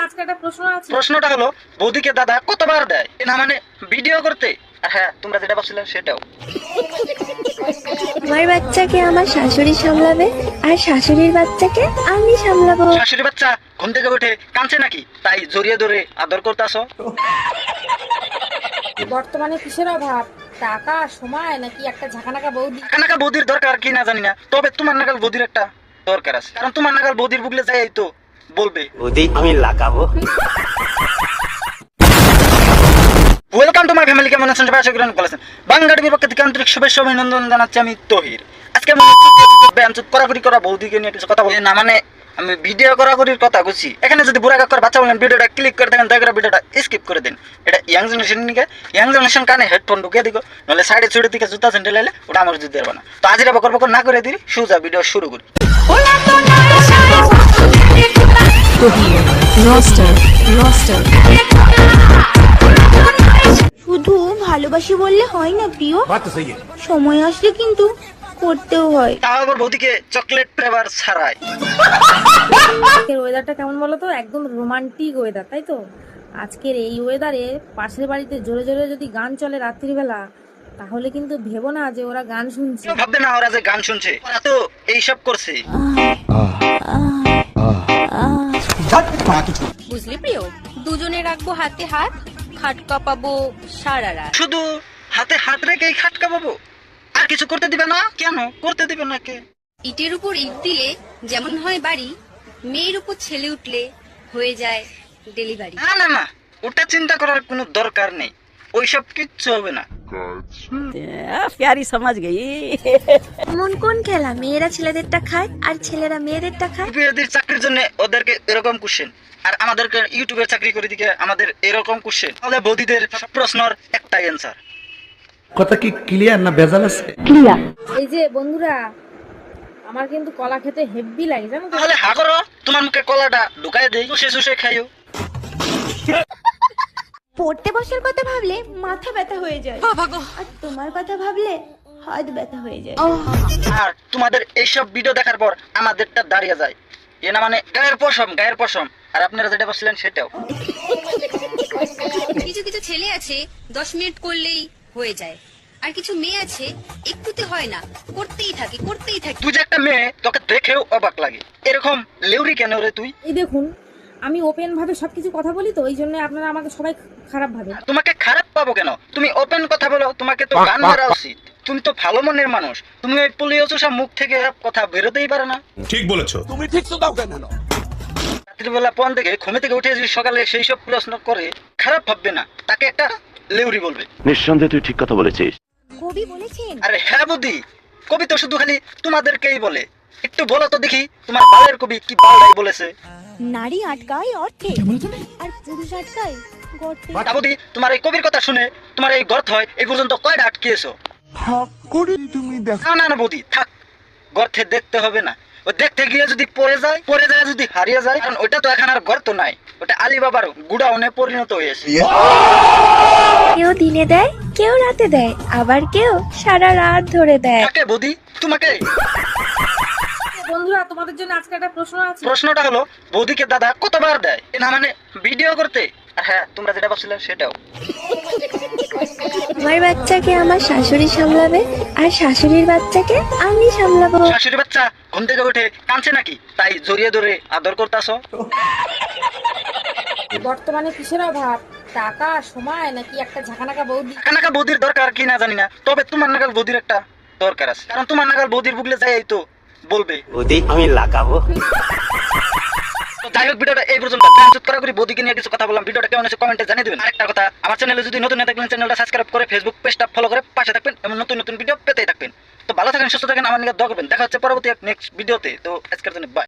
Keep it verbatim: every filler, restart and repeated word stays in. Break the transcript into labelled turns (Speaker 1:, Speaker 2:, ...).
Speaker 1: আজকে একটা প্রশ্ন আছে।
Speaker 2: প্রশ্নটা হলো বৌদিকে দাদা কতবার দেয়? না মানে ভিডিও করতে, আর হ্যাঁ তোমরা যেটা ভাবছিলে সেটাও।
Speaker 3: আমার বাচ্চাকে আমার শাশুড়ি সামলাবে আর শাশুড়ির বাচ্চাকে আমি সামলাবো।
Speaker 2: শাশুড়ি বাচ্চা ঘুম থেকে উঠে কাঁদছে নাকি, তাই জড়িয়ে ধরে আদর করতেছো?
Speaker 1: বর্তমানে কিসের অভাব? টাকা, সময়, নাকি একটা ঝাঁকানাকা বৌদি?
Speaker 2: নাকা বৌদির দরকার কি না জানি না, তবে তোমার নাগাল বৌদির একটা দরকার আছে, কারণ তোমার নাগাল বৌদির বুকলে যাই তো বলবে
Speaker 4: বৌদি আমি লাগাবো।
Speaker 2: Welcome to my family. কেমন আছেন সবাই? আশা করি অনেক ভালো আছেন। বাংলা টিভির পক্ষ থেকে আন্তরিক শুভেচ্ছা অভিনন্দন জানাচ্ছি আমি তহির। আজকে আমি ব্যায়ামচুত করাকরি করা বৌদিকে নিয়ে কিছু কথা বলি না, মানে আমি ভিডিও করাকরির কথা বলছি। এখানে যদি বুড়া কাকার বাচ্চা বলেন ভিডিওটা ক্লিক করে থাকেন, দয়া করে ভিডিওটা স্কিপ করে দিন। এটা ইয়াং জেনারেশন নিকে, ইয়াং জেনারেশন কানে হেডফোন ঢুকিয়ে দিও, নাহলে সাইডে ছুটে দিকে জুতা স্যান্ডেল এলে ওটা আমার যদি দেবো না। তো আজ এটা বকর বকর না করে দিই, সোজা ভিডিও শুরু করি।
Speaker 3: শুধু ভালোবাসি বললে হয় না প্রিয়, সময় আসলে কিন্তু করতেও হয়।
Speaker 2: তাও আবার বৌদিকে চকলেট ফ্লেভার ছাড়াই।
Speaker 1: আজকের ওয়েদারটা কেমন বলো তো? একদম রোমান্টিক ওয়েদার, তাই তো? আজকের এই ওয়েদারে পাশের বাড়িতে জোরে জোরে যদি গান চলে রাত্রিবেলা, তাহলে কিন্তু ভেবো না যে ওরা গান শুনছে।
Speaker 2: কেউ ভাববে না ওরা যে গান শুনছে, ওরা তো এইসব করছে।
Speaker 5: বুঝলি প্রিয়, দুজনে রাখবো হাতে হাত, খাট কাঁপাবো সারা রাত।
Speaker 2: শুধু হাতে হাত রেখেই খাটকা পাবো, আর কিছু করতে দিবে না? কেন করতে দিবে না? কে?
Speaker 5: ইটের উপর ইট দিলে যেমন হয় বাড়ি, মেয়ের উপর ছেলে উঠলে হয়ে যায় ডেলিভারি।
Speaker 2: না না না, ওটা চিন্তা করার কোনো দরকার নেই, ওইসব কিচ্ছু হবে না।
Speaker 6: प्यारी समझ गई।
Speaker 3: এমন কোন খেলা মেয়েরা ছেলেদেরটা খায় আর ছেলেরা মেয়েদেরটা খায়?
Speaker 2: ইউপিএসসির চাকরির জন্য ওদেরকে এরকম কোশ্চেন, আর আমাদেরকে ইউটিউবের চাকরি করে দিকে আমাদের এরকম কোশ্চেন। তাহলে বৌদিদের সব প্রশ্নের একটাই অ্যান্সার।
Speaker 7: কথা কি ক্লিয়ার না ভেজাল আছে?
Speaker 1: এই যে বন্ধুরা, আমার কিন্তু কলা খেতে হেভি লাগে, জানো তো?
Speaker 2: তাহলে হা করো, তোমার মুখে কলাটা ঢুকাই দেই, শুষে শুষে খাইও।
Speaker 3: পড়তে বসার কথা ভাবলে মাথা ব্যথা হয়ে যায়, আর তোমার কথা ভাবলে হাত ব্যথা হয়ে যায়।
Speaker 2: আর তোমাদের এইসব ভিডিও দেখার পর আমাদেরটা দাঁড়িয়ে যায়, এ না মানে গায়ের পশম, গায়ের পশম। আর আপনারা যেটা বলছিলেন সেটাও।
Speaker 5: কিছু কিছু ছেলে আছে দশ মিনিট করলেই হয়ে যায়, আর কিছু মেয়ে আছে একটুতে হয় না, করতেই থাকে করতেই থাকে।
Speaker 2: তুই যে একটা মেয়ে, তোকে দেখেও অবাক লাগে, এরকম লেউরি কেন রে তুই?
Speaker 1: এই দেখুন, আমি ওপেন ভাবে সবকিছু কথা বলি, তো এই জন্য আপনারা আমাকে সবাই খারাপ ভাবে।
Speaker 2: তোমাকে খারাপ পাবো কেন? তুমি ওপেন কথা বলো, তোমাকে তো গান মারা উচিত। তুমি তো ভালো মনের মানুষ, তুমি ওই পোলিও চোষা মুখ থেকে কথা বেরোতেই পারে না।
Speaker 8: ঠিক বলেছো।
Speaker 2: রাত্রিবেলা পন থেকে ঘুমে থেকে উঠে যদি সকালে সেই সব প্রশ্ন করে, খারাপ ভাববে না, তাকে একটা লেউরি বলবে।
Speaker 4: নিঃসন্দেহে তুই ঠিক কথা বলেছিস।
Speaker 3: কবি বলেছেন,
Speaker 2: আরে হ্যাঁ বুদ্ধি, কবি তো শুধু খালি তোমাদেরকেই বলে। একটু বলো তো দেখি, তোমার বালের কবি কি বালাই বলেছে?
Speaker 3: নারী আটকায় অর্থে আর পুরুষ আটকায় গর্তে।
Speaker 2: বুদ্ধি, তোমার এই কবির কথা শুনে তোমার এই গর্ত হয় এই পর্যন্ত কয়টা আটকিয়েছো? না না না বুদ্ধি, থাক, গর্তে দেখতে হবে না। ও দেখতে গিয়ে যদি পড়ে যায়, পড়ে যায় যদি হারিয়ে যায়, কারণ ওইটা তো এখন আর গর্ত নাই, ওটা আলিবাবার গুডাউনে পরিণত হয়েছে।
Speaker 3: কেউ দিনে দেয়, কেউ রাতে দেয়, আবার কেউ সারা রাত ধরে দেয়।
Speaker 2: কাকে বুদ্ধি? তোমাকে।
Speaker 1: বন্ধুরা, তোমাদের জন্য আজকে একটা প্রশ্ন আছে।
Speaker 2: প্রশ্নটা হলো বৌদিকে দাদা কতবার দেয়? না মানে ভিডিও করতে, আর হ্যাঁ তোমরা যেটা ভাবছিলে সেটাও।
Speaker 3: আমার বাচ্চাকে আমার শাশুড়ি সামলাবে আর শাশুড়ির বাচ্চাকে আমি সামলাবো।
Speaker 2: শাশুড়ি বাচ্চা ঘুম থেকে উঠে কাঁদছে নাকি, তাই জড়িয়ে ধরে আদর করতেছো?
Speaker 1: বর্তমানে কিসের অভাব? টাকা, সময়, নাকি একটা ঝাঁকানাকা বৌদি?
Speaker 2: নাকা বৌদির দরকার কি না জানি না, তবে তোমার নাগাল বৌদির একটা দরকার আছে, কারণ তোমার নাগাল বৌদির বুকলে যাই তো বলবে
Speaker 4: বৌদি আমি লাগাবো।
Speaker 2: তো যাই হোক, ভিডিওটা এই পর্যন্ত। ব্যায়ামচুত করা করি বৌদিকে নিয়ে কিছু কথা বললাম, ভিডিওটা কেমন হয়েছে কমেন্টে জানিয়ে দেবেন। আরেকটা কথা, আমার চ্যানেলে যদি নতুন না থাকবেন চ্যানেলটা সাবস্ক্রাইব করে ফেসবুক পেজটা ফলো করে পাশে থাকবেন এবং নতুন নতুন ভিডিও পেতেই থাকবেন। তো ভালো থাকেন, সুস্থ থাকেন, আমার নিয়ে দোয়া করবেন। দেখা হচ্ছে পরবর্তী এক নেক্সট ভিডিওতে। তো আজকের জন্য বাই।